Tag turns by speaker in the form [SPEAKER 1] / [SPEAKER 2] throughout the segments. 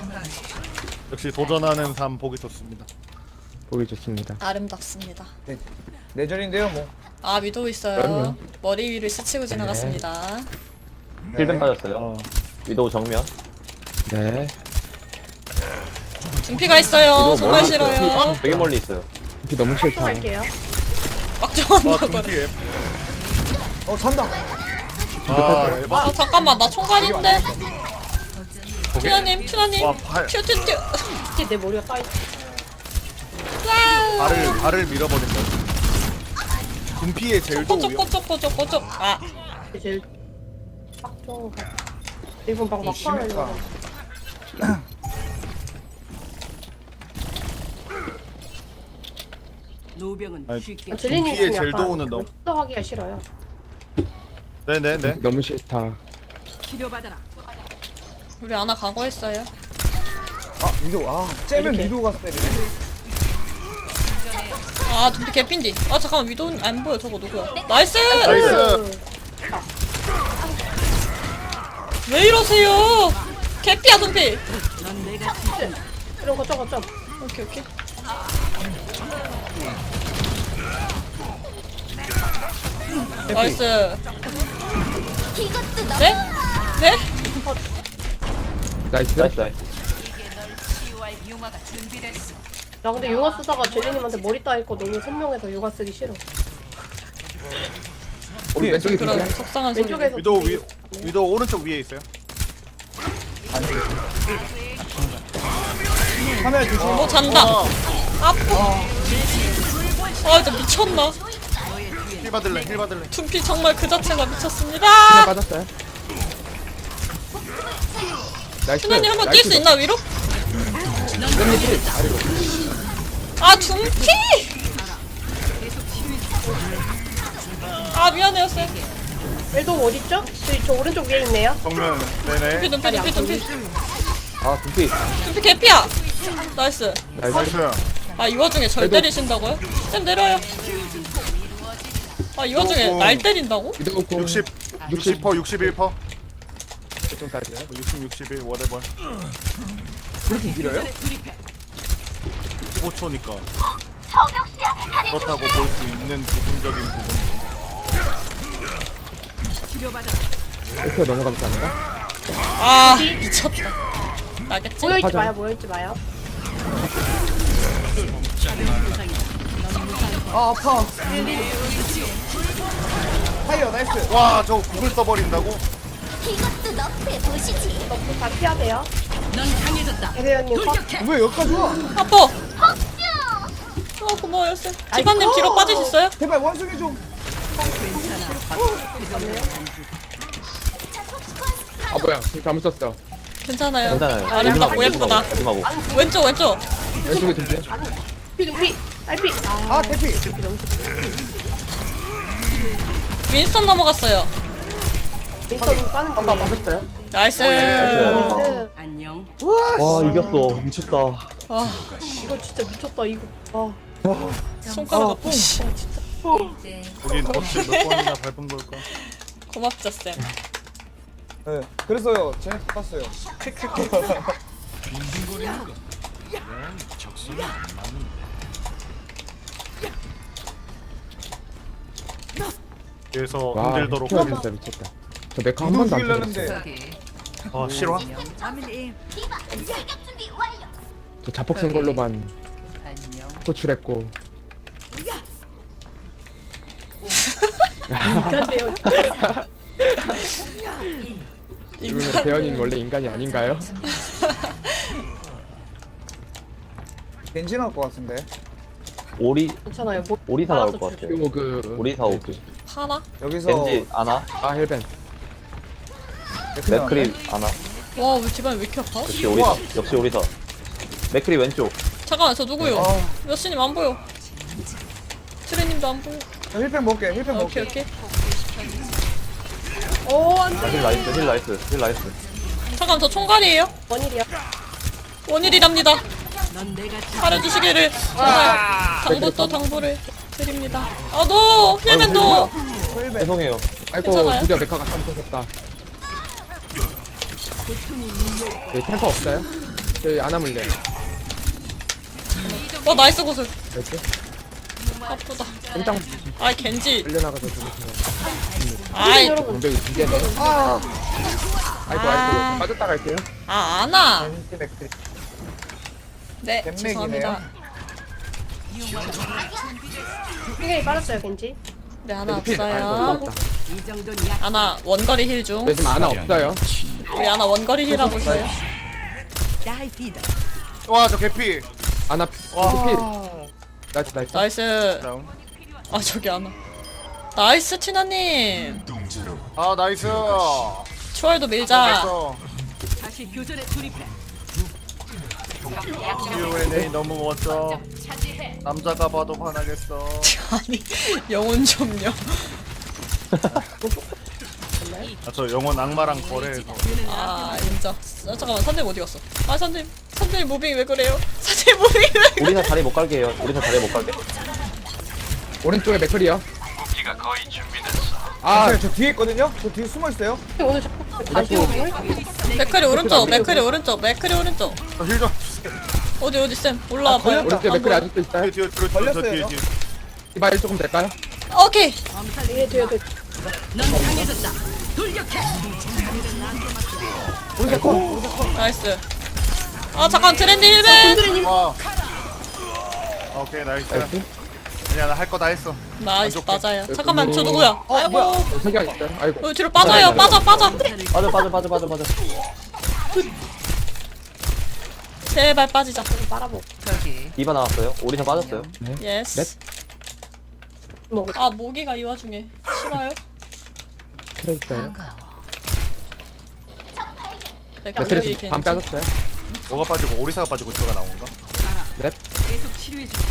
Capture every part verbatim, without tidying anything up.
[SPEAKER 1] 역시 도전하는 삶 보기 좋습니다.
[SPEAKER 2] 보기 좋습니다.
[SPEAKER 3] 아름답습니다.
[SPEAKER 4] 네, 내전인데요 뭐.
[SPEAKER 3] 아 위도 있어요.
[SPEAKER 2] 그럼요.
[SPEAKER 3] 머리 위를 스치고 지나갔습니다.
[SPEAKER 5] 힐벤 빠졌어요.
[SPEAKER 1] 어.
[SPEAKER 5] 위도우 정면.
[SPEAKER 2] 네.
[SPEAKER 3] 준피가 있어요.
[SPEAKER 5] 위도우
[SPEAKER 3] 정말
[SPEAKER 5] 멀리 있어요.
[SPEAKER 3] 싫어요.
[SPEAKER 5] 되게 멀리 있어요.
[SPEAKER 2] 비 너무 싫다.
[SPEAKER 6] 갈게요.
[SPEAKER 3] 막 좋아한다고
[SPEAKER 1] 와
[SPEAKER 3] 그래.
[SPEAKER 1] 둠피에.
[SPEAKER 4] 어 산다.
[SPEAKER 1] 아 에바.
[SPEAKER 3] 아 잠깐만 나 총괄인데. 튜나님 튜나님
[SPEAKER 1] 와 발,
[SPEAKER 3] 튜튜튜.
[SPEAKER 6] 이게 내 머리가 까있어.
[SPEAKER 1] 발을 발을 밀어버린다. 둠피에 제일
[SPEAKER 3] 꼬쪽
[SPEAKER 1] 도우요.
[SPEAKER 3] 꼬쪽 꼬쪽 꼬쪽. 아
[SPEAKER 6] 이게 제일 딱 좋은 거. 이분 막
[SPEAKER 4] 심했다.
[SPEAKER 6] 막판을
[SPEAKER 7] 노병은
[SPEAKER 1] 아니,
[SPEAKER 7] 쉽게
[SPEAKER 6] 아, 젤리님
[SPEAKER 1] 피해
[SPEAKER 6] 좀
[SPEAKER 1] 제일
[SPEAKER 6] 약간
[SPEAKER 1] 도우는 너.
[SPEAKER 6] 하기가 싫어요.
[SPEAKER 1] 네네네.
[SPEAKER 2] 너무 싫다.
[SPEAKER 7] 치료받아라.
[SPEAKER 3] 우리 아나 각오했어요.
[SPEAKER 4] 아 위도 아 째면
[SPEAKER 6] 이렇게.
[SPEAKER 4] 위도가 때리네.
[SPEAKER 3] 아 준피 개핀디. 아 잠깐만 위도 안 보여 저거 누구야? 나이스.
[SPEAKER 1] 나이스.
[SPEAKER 3] 왜 이러세요? 개피야 준피.
[SPEAKER 7] 넌 내가 지킨
[SPEAKER 6] 이런 거 저거 좀.
[SPEAKER 3] 오케이 오케이. 나이스. 네? 네?
[SPEAKER 2] 나이스.
[SPEAKER 5] 나이스 나이스.
[SPEAKER 7] 치유할 융화가 준비됐어.
[SPEAKER 6] 나 근데 융화 쓰다가 젤리님한테 머리 따있고 너무 선명해서 융화 쓰기 싫어.
[SPEAKER 2] 우리 왼쪽에
[SPEAKER 3] 그런
[SPEAKER 2] 비비야.
[SPEAKER 3] 속상한 소리.
[SPEAKER 6] 왼쪽에서
[SPEAKER 1] 위도 위 위도 오른쪽 위에 있어요.
[SPEAKER 4] 카메라 조심.
[SPEAKER 3] 어 잔다. 아파. 아 진짜 미쳤나?
[SPEAKER 1] 힐 받을래 힐 받을래.
[SPEAKER 3] 둠피 정말 그 자체가
[SPEAKER 2] 하나
[SPEAKER 3] 미쳤습니다.
[SPEAKER 2] 빠졌어요. 나이스.
[SPEAKER 3] 튜나님 한번 뛸 수 있나 위로?
[SPEAKER 2] 아래로.
[SPEAKER 3] 아 둠피! 아 미안해요 쌤.
[SPEAKER 6] 엘도 어딨죠? 저기 저 오른쪽 위에 있네요.
[SPEAKER 1] 정면
[SPEAKER 3] 둠피
[SPEAKER 1] 네네.
[SPEAKER 3] 둠피 둠피 둠피.
[SPEAKER 5] 아 둠피.
[SPEAKER 3] 둠피 개피야. 나이스.
[SPEAKER 2] 나이스.
[SPEAKER 1] 나이스.
[SPEAKER 3] 아 이 와중에 절 때리신다고요? 쌤 내려요. 아 이 와중에 날 때린다고?
[SPEAKER 2] 위도 공
[SPEAKER 1] 육십 육십 퍼 육십일 퍼.
[SPEAKER 2] 점까지요.
[SPEAKER 1] 육십 육십일 whatever.
[SPEAKER 4] 그렇게 길어요?
[SPEAKER 1] 십오 초니까. 그렇다고 볼 수 있는 부분적인 부분.
[SPEAKER 7] 치료받아라.
[SPEAKER 2] 이렇게 넘어가면 되는가?
[SPEAKER 3] 아 미쳤다. 나겠지?
[SPEAKER 6] 모여있지
[SPEAKER 2] 하자.
[SPEAKER 6] 마요, 모여있지 마요.
[SPEAKER 4] 아 아파. 파이어 나이스.
[SPEAKER 1] 와 저거 구글 써버린다고?
[SPEAKER 8] 이것도 너프에 보시지.
[SPEAKER 6] 너무 다 피해야 돼요.
[SPEAKER 7] 넌 강해졌다.
[SPEAKER 6] 대대현님 확.
[SPEAKER 4] 왜 여기까지 와?
[SPEAKER 3] 아파. 아 고마워요 쌤. 집안님 뒤로 빠지셨어요?
[SPEAKER 4] 제발 원숭이 좀.
[SPEAKER 2] 아 뭐야? 잘못 썼어.
[SPEAKER 3] 괜찮아요.
[SPEAKER 5] 괜찮아요.
[SPEAKER 3] 아름답고 예쁘다.
[SPEAKER 5] 조심하고.
[SPEAKER 3] 왼쪽 왼쪽.
[SPEAKER 2] 왼쪽에 둠피.
[SPEAKER 6] 피, 피, 딸피. 아,
[SPEAKER 4] 아 대피.
[SPEAKER 3] 윈스턴 넘어갔어요.
[SPEAKER 6] 민턴 까는 거. 맞았어요?
[SPEAKER 3] 나이스.
[SPEAKER 6] 나이스.
[SPEAKER 7] 안녕.
[SPEAKER 5] 와 이겼어. 미쳤다.
[SPEAKER 3] 아
[SPEAKER 6] 이거 진짜 미쳤다, 이거. 아,
[SPEAKER 3] 손가락 아파. 씨.
[SPEAKER 1] 우린 덫을 몇 번이나 밟은 걸까?
[SPEAKER 3] 고맙죠 쌤.
[SPEAKER 4] 네. 그래서요. 쟤네 탔어요.
[SPEAKER 1] 그래서
[SPEAKER 2] 와,
[SPEAKER 1] 힘들도록.
[SPEAKER 2] 힐 진짜 미쳤다. 저 메카 한 번도 안
[SPEAKER 4] 죽이려는데.
[SPEAKER 2] 터졌어요.
[SPEAKER 1] 아 싫어?
[SPEAKER 7] 아밀리.
[SPEAKER 8] 출격 준비 완료.
[SPEAKER 2] 저 자폭 쓴 걸로만
[SPEAKER 7] 안녕.
[SPEAKER 2] 호출했고.
[SPEAKER 6] 인간데요.
[SPEAKER 2] 이분은 대현이는 원래 인간이 아닌가요?
[SPEAKER 4] 겐지 나올 것 같은데.
[SPEAKER 5] 오리
[SPEAKER 6] 괜찮아요. 뭐,
[SPEAKER 5] 오리사 나올
[SPEAKER 6] 알아서
[SPEAKER 5] 것
[SPEAKER 6] 줄게요.
[SPEAKER 5] 같아요.
[SPEAKER 2] 그리고 그
[SPEAKER 5] 오리사 오크.
[SPEAKER 3] 하나?
[SPEAKER 4] 여기서
[SPEAKER 5] 겐지 아나.
[SPEAKER 2] 아 헬벤.
[SPEAKER 4] 맥크리 나왔네.
[SPEAKER 5] 맥크리 아나.
[SPEAKER 3] 와 우리 집안 왜 이렇게 아파?
[SPEAKER 5] 역시 오리사. 역시 오리사. 맥크리 왼쪽.
[SPEAKER 3] 잠깐만 저 누구요?
[SPEAKER 4] 아.
[SPEAKER 3] 여신님 안 보여. 트레님도 안 보여.
[SPEAKER 4] 저 힐팩 먹게. 힐팩
[SPEAKER 3] 아, 오케이
[SPEAKER 4] 먹게.
[SPEAKER 3] 오케이.
[SPEAKER 6] 오, 안
[SPEAKER 5] 아,
[SPEAKER 6] 돼.
[SPEAKER 5] 힐 나이스. 힐 나이스. 힐 나이스.
[SPEAKER 3] 잠깐 저 총괄이에요.
[SPEAKER 6] 원일이야.
[SPEAKER 3] 원일이랍니다.
[SPEAKER 7] 넌 내가 지킨
[SPEAKER 3] 잘해주시기를 정말 당부 또 당부를 드립니다. 아너 힐맨도
[SPEAKER 4] 힐팩.
[SPEAKER 5] 죄송해요.
[SPEAKER 2] 아이고
[SPEAKER 3] 괜찮아요?
[SPEAKER 2] 드디어 메카가 깜짝했다. 네, 탱커 없어요? 저희 안 하물래.
[SPEAKER 3] 어 나이스 고슬.
[SPEAKER 2] 이렇게
[SPEAKER 3] 아프다.
[SPEAKER 2] 꼼짝
[SPEAKER 3] 아이 겐지.
[SPEAKER 2] 끌려나가서 죽으신 거.
[SPEAKER 3] 아이
[SPEAKER 2] 공격이 두 개네.
[SPEAKER 4] 아
[SPEAKER 2] 아이고
[SPEAKER 3] 아.
[SPEAKER 2] 아이고 빠졌다 갈게요.
[SPEAKER 3] 아 아나.
[SPEAKER 4] 겐지 맥크리.
[SPEAKER 3] 네
[SPEAKER 4] 뱀맥이네요.
[SPEAKER 3] 죄송합니다.
[SPEAKER 6] 굉장히 빨랐어요 겐지.
[SPEAKER 3] 네 하나
[SPEAKER 2] 필. 아이고
[SPEAKER 3] 없어요.
[SPEAKER 2] 죽었다.
[SPEAKER 7] 이 정도는 약.
[SPEAKER 3] 아나 원거리 힐 중.
[SPEAKER 2] 네, 지금 아나 없어요.
[SPEAKER 3] 우리 아나 원거리 힐하고 있어요.
[SPEAKER 7] 다이피다.
[SPEAKER 1] 와 저 개피.
[SPEAKER 2] 아나
[SPEAKER 1] 와.
[SPEAKER 2] 필. 나이스 나이스.
[SPEAKER 3] 나이스.
[SPEAKER 1] 다운.
[SPEAKER 3] 아 저기 아나. 나이스 티나님.
[SPEAKER 1] 아 나이스.
[SPEAKER 3] 추월도 밀자.
[SPEAKER 1] 됐어.
[SPEAKER 7] 다시 교전에 돌입해.
[SPEAKER 1] 유 엔 에이 너무 멋져. 남자가 봐도 반하겠어.
[SPEAKER 3] 아니 영혼 좀요.
[SPEAKER 1] 아, 저 영원 악마랑 거래해서.
[SPEAKER 3] 아 인정. 아, 잠깐만 선생님 어디 갔어? 아 선생님 선생님 무빙 왜 그래요? 선생님 무빙 왜 그래?
[SPEAKER 5] 우리사 자리 못 갈게 해요. 우리사 자리 못 갈게.
[SPEAKER 2] 오른쪽에 맥클이요.
[SPEAKER 4] 아,
[SPEAKER 2] 아
[SPEAKER 4] 저 뒤에 있거든요. 저 뒤에 숨어 있어요.
[SPEAKER 6] 오늘 자꾸 다시 오늘
[SPEAKER 3] 맥크리 오른쪽 맥크리 오른쪽 맥크리 오른쪽.
[SPEAKER 1] 저 힐 좀 주세요.
[SPEAKER 3] 어디 어디 쌤 올라와봐요.
[SPEAKER 4] 걸렸다.
[SPEAKER 2] 오른쪽에 맥클이 아직도 있어요.
[SPEAKER 1] 뒤에 뒤에 뒤에
[SPEAKER 4] 걸렸어요,
[SPEAKER 1] 뒤에
[SPEAKER 4] 저?
[SPEAKER 1] 뒤에.
[SPEAKER 2] 이발 조금 될까요?
[SPEAKER 3] 오케이.
[SPEAKER 6] 뒤에 뒤에 뒤에.
[SPEAKER 7] 넌 강해졌다. 돌격해.
[SPEAKER 3] 나이스. 아 잠깐 트렌드 힐맨.
[SPEAKER 6] kun드레님
[SPEAKER 1] 와. 오케이 나이스.
[SPEAKER 2] 나이스.
[SPEAKER 1] 아니야 나 할 거 다 했어.
[SPEAKER 3] 나이스
[SPEAKER 1] 만족해.
[SPEAKER 3] 맞아요. 잠깐만 저 누구야? 아이고.
[SPEAKER 2] 어, 세개 있어요. 아이고.
[SPEAKER 3] 어, 뒤로 빠져요. 빠져 빠져.
[SPEAKER 5] 빠져 빠져 빠져 빠져 빠져.
[SPEAKER 3] 제발 빠지자.
[SPEAKER 6] 빨아보.
[SPEAKER 7] 거기.
[SPEAKER 5] 디바 나왔어요. 오리사 빠졌어요.
[SPEAKER 3] 예스.
[SPEAKER 6] 뭐
[SPEAKER 3] 아 모기가 이 와중에 싫어요?
[SPEAKER 2] 그래 있어요.
[SPEAKER 3] 맥크리
[SPEAKER 2] 맥클이
[SPEAKER 3] 겐지.
[SPEAKER 2] 반 빠졌어요.
[SPEAKER 1] 뭐가 빠지고 오리사가 빠지고 저가 나온 건가?
[SPEAKER 2] 넵.
[SPEAKER 7] 계속 치료해 줄게.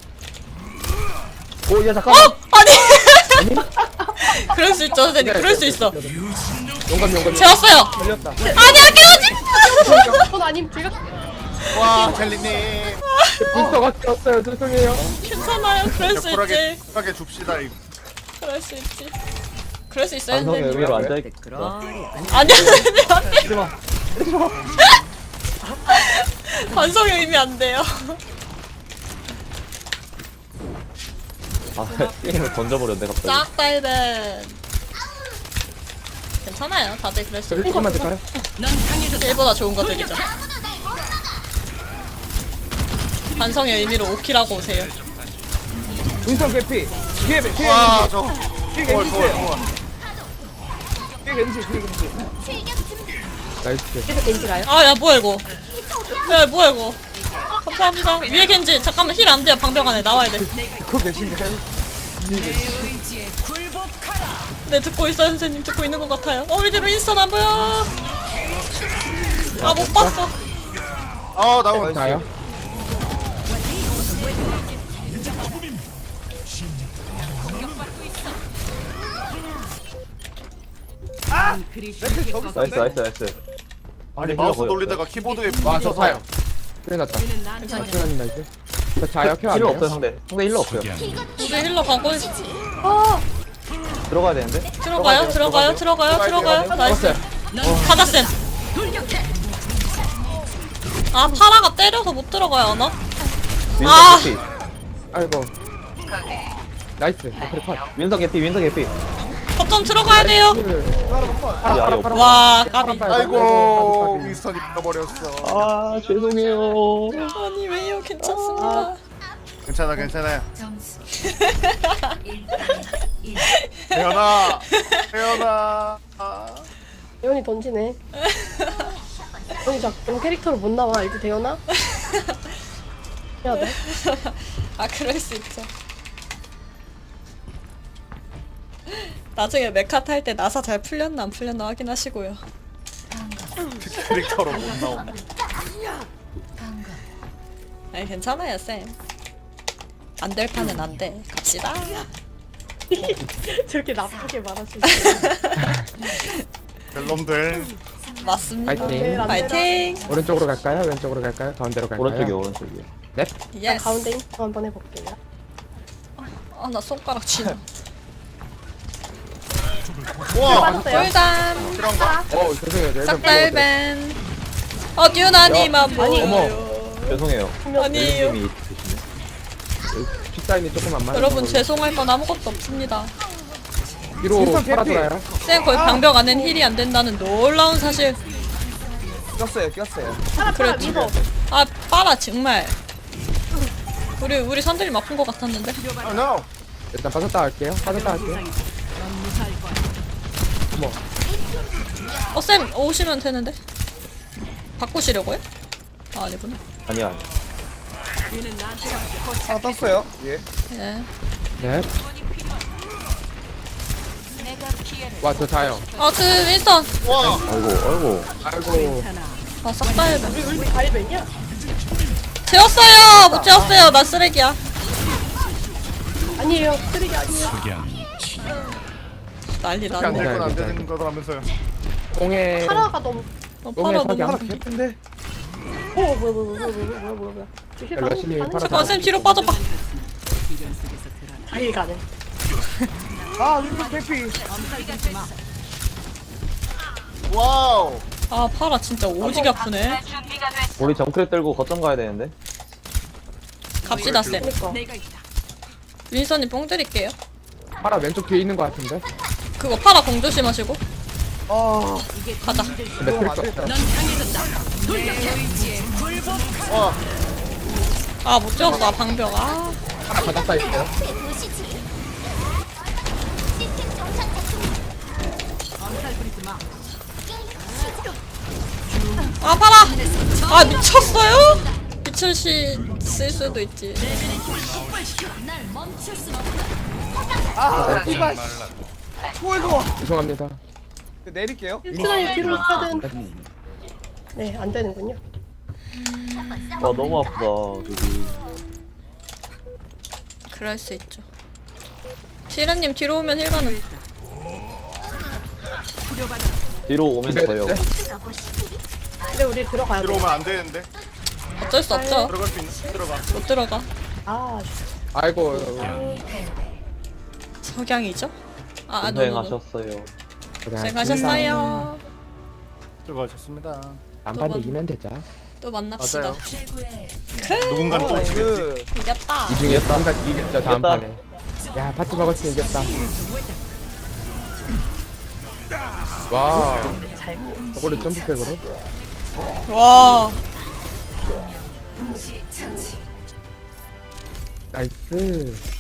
[SPEAKER 5] 오야 잠깐만.
[SPEAKER 3] 어 아니. 그럴 수 있죠 선생님. 그럴 수 있어.
[SPEAKER 2] 용감 용감.
[SPEAKER 3] 재웠어요.
[SPEAKER 4] 걸렸다.
[SPEAKER 3] 아니야 깨우지.
[SPEAKER 6] 전 아님 제가
[SPEAKER 1] 와 젤리님.
[SPEAKER 2] 불서가 꼈어요. 죄송해요.
[SPEAKER 3] 괜찮아요. 그럴 수
[SPEAKER 1] 쿨하게
[SPEAKER 3] 있지.
[SPEAKER 1] 쿨하게 줍시다 이거.
[SPEAKER 3] 그럴 수 있지. 그럴 수 있어요
[SPEAKER 5] 반성의
[SPEAKER 3] 선생님.
[SPEAKER 5] 의미로 앉아있.
[SPEAKER 3] 아니야 선생님 안 돼.
[SPEAKER 5] 하지마.
[SPEAKER 3] 반성의 의미 안 돼요.
[SPEAKER 5] 아 게임을 던져버렸네 갑자기.
[SPEAKER 3] 짝달벤. 괜찮아요. 다들 그럴 수
[SPEAKER 2] 저기
[SPEAKER 3] 있고.
[SPEAKER 2] 조금만 될까요?
[SPEAKER 7] 넌 강해졌다.
[SPEAKER 3] 일보다 좋은 거 드리죠. 반성의 의미로 오키라고 오세요.
[SPEAKER 4] 윈선 개피. 뒤에 겐- 뒤에
[SPEAKER 1] 와
[SPEAKER 4] 겐지.
[SPEAKER 1] 저.
[SPEAKER 4] 뒤에
[SPEAKER 1] 뭘
[SPEAKER 4] 겐지
[SPEAKER 1] 뭘
[SPEAKER 4] 있어요.
[SPEAKER 1] 뭘.
[SPEAKER 4] 뒤에 겐지. 뒤에 겐지.
[SPEAKER 2] 나이스.
[SPEAKER 6] 계속 겐지가요.
[SPEAKER 3] 아 야 뭐야 이거. 야 뭐야 이거. 감사합니다. 위에 겐지. 잠깐만 힐 안 돼요. 방벽 안에 나와야 돼.
[SPEAKER 4] 그거 계신가요?
[SPEAKER 7] 의지에 굴복하라.
[SPEAKER 3] 네 듣고 있어요 선생님. 듣고 있는 것 같아요. 어 우리 뒤로 인스턴 안 보여. 아 못 봤어.
[SPEAKER 1] 아 나온.
[SPEAKER 2] 자요.
[SPEAKER 7] 넌 그리 쉽게 꺾어.
[SPEAKER 5] 나이스 나이스 나이스.
[SPEAKER 1] 아니
[SPEAKER 5] 힐러
[SPEAKER 1] 마우스
[SPEAKER 5] 보여.
[SPEAKER 1] 돌리다가 키보드에
[SPEAKER 2] 와저
[SPEAKER 1] 부딪혀서.
[SPEAKER 2] 자요. 그래 났다.
[SPEAKER 7] 얘는 나한테
[SPEAKER 2] 박준환님 나이스. 저 자요 켜 안
[SPEAKER 5] 힐러
[SPEAKER 2] 돼요?
[SPEAKER 5] 없어요 상대. 상대 힐러 없어요.
[SPEAKER 3] 우리 힐러 가고 있...
[SPEAKER 5] 들어가야 되는데.
[SPEAKER 3] 들어가요 들어가요 들어가요 들어가요. 나이스.
[SPEAKER 2] 들어갔어요.
[SPEAKER 3] 가자쌤.
[SPEAKER 7] 돌격해.
[SPEAKER 3] 아 파라가 때려서 못 들어가요 나?
[SPEAKER 5] 윈선
[SPEAKER 3] 아.
[SPEAKER 5] 개피.
[SPEAKER 2] 아이고. 나이스. 맥클이 컷.
[SPEAKER 5] 윈선 개피. 윈선 개피.
[SPEAKER 3] 거점 들어가야 돼요.
[SPEAKER 5] 아니 아니 없어.
[SPEAKER 3] 와 까비.
[SPEAKER 1] 아이고 윈스턴이 잃어버렸어.
[SPEAKER 5] 아 죄송해요.
[SPEAKER 3] 아니 왜요 괜찮습니다.
[SPEAKER 1] 괜찮아 괜찮아요. 태연아 태연아. 아.
[SPEAKER 6] 대현이 던지네. 대현이 자꾸 캐릭터로 못 나와. 이제 대현아? 해야 돼.
[SPEAKER 3] 아 그럴 수 있죠. 나중에 메카 탈 때 나사 잘 풀렸나 안 풀렸나 확인하시고요.
[SPEAKER 1] 캐릭터로 못 나온다.
[SPEAKER 3] 아니 괜찮아요 쌤. 안 될 판은 안 돼. 갑시다.
[SPEAKER 6] 저렇게 나쁘게 말하시지.
[SPEAKER 1] 벨놈들.
[SPEAKER 3] 맞습니다.
[SPEAKER 2] 파이팅.
[SPEAKER 3] 파이팅.
[SPEAKER 2] 오른쪽으로 갈까요? 왼쪽으로 갈까요? 가운데로 갈까요?
[SPEAKER 5] 오른쪽이요 오른쪽이요.
[SPEAKER 2] 넵.
[SPEAKER 3] 예스.
[SPEAKER 6] 가운데 인터 한번 해볼게요.
[SPEAKER 3] 아나 손가락 쥐나.
[SPEAKER 1] 와
[SPEAKER 6] 빠졌어요.
[SPEAKER 3] 꿀담.
[SPEAKER 1] 필요한가?
[SPEAKER 2] 어 죄송해요. 저 일단
[SPEAKER 3] 짝달벤. 어 듀나님만
[SPEAKER 6] 아니,
[SPEAKER 3] 보여요.
[SPEAKER 5] 죄송해요.
[SPEAKER 3] 아니에요.
[SPEAKER 5] 님이 드시네.
[SPEAKER 2] 픽사인이 조금만 많이
[SPEAKER 3] 여러분
[SPEAKER 2] 먹어요.
[SPEAKER 3] 죄송할 건 아무것도 없습니다.
[SPEAKER 2] 뒤로
[SPEAKER 4] 윈스턴
[SPEAKER 2] 팔아
[SPEAKER 4] 개피.
[SPEAKER 2] 돌아요.
[SPEAKER 3] 쌤 거의 방벽 안엔 힐이 안 된다는 놀라운 사실.
[SPEAKER 4] 꼈어요 꼈어요.
[SPEAKER 6] 파라 파라
[SPEAKER 3] 그래,
[SPEAKER 6] 미버.
[SPEAKER 3] 아 빨아 정말. 우리 우리 선들이 아픈 것 같았는데.
[SPEAKER 1] 아 no.
[SPEAKER 2] 일단 빠졌다 할게요. 빠졌다 할게요.
[SPEAKER 3] 어 쌤 오시면 되는데. 바꾸시려고요? 아 아니구나.
[SPEAKER 5] 아니야.
[SPEAKER 4] 하나 떴어요. 예.
[SPEAKER 3] 예.
[SPEAKER 2] 네. 와, 저 자요.
[SPEAKER 3] 아그 윈스턴.
[SPEAKER 1] 와.
[SPEAKER 5] 아이고, 아이고.
[SPEAKER 2] 아이고.
[SPEAKER 3] 아싹 다 해봐.
[SPEAKER 6] 우리 우리 가리벤이야?
[SPEAKER 3] 재웠어요. 못 재웠어요. 나 쓰레기야.
[SPEAKER 6] 아니에요. 쓰레기 아니에요.
[SPEAKER 3] 난리
[SPEAKER 1] 안
[SPEAKER 3] 났네.
[SPEAKER 1] 될 건 안 되는 거라면서요.
[SPEAKER 2] 공에
[SPEAKER 6] 파라가 너무.
[SPEAKER 3] 어,
[SPEAKER 2] 똥에
[SPEAKER 3] 팔아
[SPEAKER 2] 석양.
[SPEAKER 3] 너무.
[SPEAKER 4] 하나 개픈데.
[SPEAKER 6] 오 뭐야 뭐야 뭐야 뭐야 뭐야 뭐야 뭐야. 힐 가능?
[SPEAKER 2] 열심히
[SPEAKER 6] 가능?
[SPEAKER 2] 팔아.
[SPEAKER 3] 잠깐 쌤 뒤로 빠져봐.
[SPEAKER 6] 아, 힐 가능.
[SPEAKER 4] 아 윈스턴 개피.
[SPEAKER 1] 와우.
[SPEAKER 3] 아 파라 진짜 오지게 아프네.
[SPEAKER 5] 우리 정크레 들고 거점 가야 되는데.
[SPEAKER 3] 갑시다 쌤.
[SPEAKER 6] 그니까.
[SPEAKER 3] 윈선님 뽕 드릴게요.
[SPEAKER 2] 파라 왼쪽 뒤에 있는 것 같은데.
[SPEAKER 3] 그거 파라 공 조심하시고
[SPEAKER 4] 아
[SPEAKER 3] 가자.
[SPEAKER 2] 근데
[SPEAKER 4] 너무 안
[SPEAKER 2] 필수.
[SPEAKER 4] 되겠다.
[SPEAKER 1] 와.
[SPEAKER 3] 아 못 재웠어 아, 방벽. 아
[SPEAKER 2] 파라 바닥다 있어요.
[SPEAKER 8] 너프에 보시지. 시스템 정상 작동.
[SPEAKER 3] 아 파라! 아 미쳤어요? 미천씨 쓸 수도 있지.
[SPEAKER 4] 아 이발. 뭐이거.
[SPEAKER 2] 죄송합니다.
[SPEAKER 4] 내릴게요.
[SPEAKER 6] 힐트라인 뒤로 가야 되는데. 네, 안 되는군요.
[SPEAKER 5] 와, 너무 아프다, 저기.
[SPEAKER 3] 그럴 수 있죠. 시련님 뒤로 오면 힐가는.
[SPEAKER 5] 뒤로 오면
[SPEAKER 2] 네,
[SPEAKER 5] 돼요.
[SPEAKER 2] 네.
[SPEAKER 6] 근데 우리 들어가야 돼.
[SPEAKER 1] 들어오면 안 되는데.
[SPEAKER 3] 어쩔 수 없죠.
[SPEAKER 1] 들어갈 수 있는 들어가.
[SPEAKER 3] 못 들어가.
[SPEAKER 6] 아,
[SPEAKER 2] 아이고.
[SPEAKER 3] 석양이죠? 아, 아 노노노.
[SPEAKER 5] 고생하셨어요.
[SPEAKER 3] 고생하셨어요.
[SPEAKER 1] 들어가셨습니다.
[SPEAKER 2] 안반대 이면 되자.
[SPEAKER 3] 또 만납시다.
[SPEAKER 1] 맞아요. 누군가는 또 지겠지.
[SPEAKER 4] 그
[SPEAKER 3] 이겼다.
[SPEAKER 2] 이 중에 누군가 이겼죠 다음
[SPEAKER 5] 이겼다.
[SPEAKER 2] 판에. 야 파티 먹었으면 이겼다. 와. 저걸로 점프백으로.
[SPEAKER 3] 와.
[SPEAKER 2] 나이스.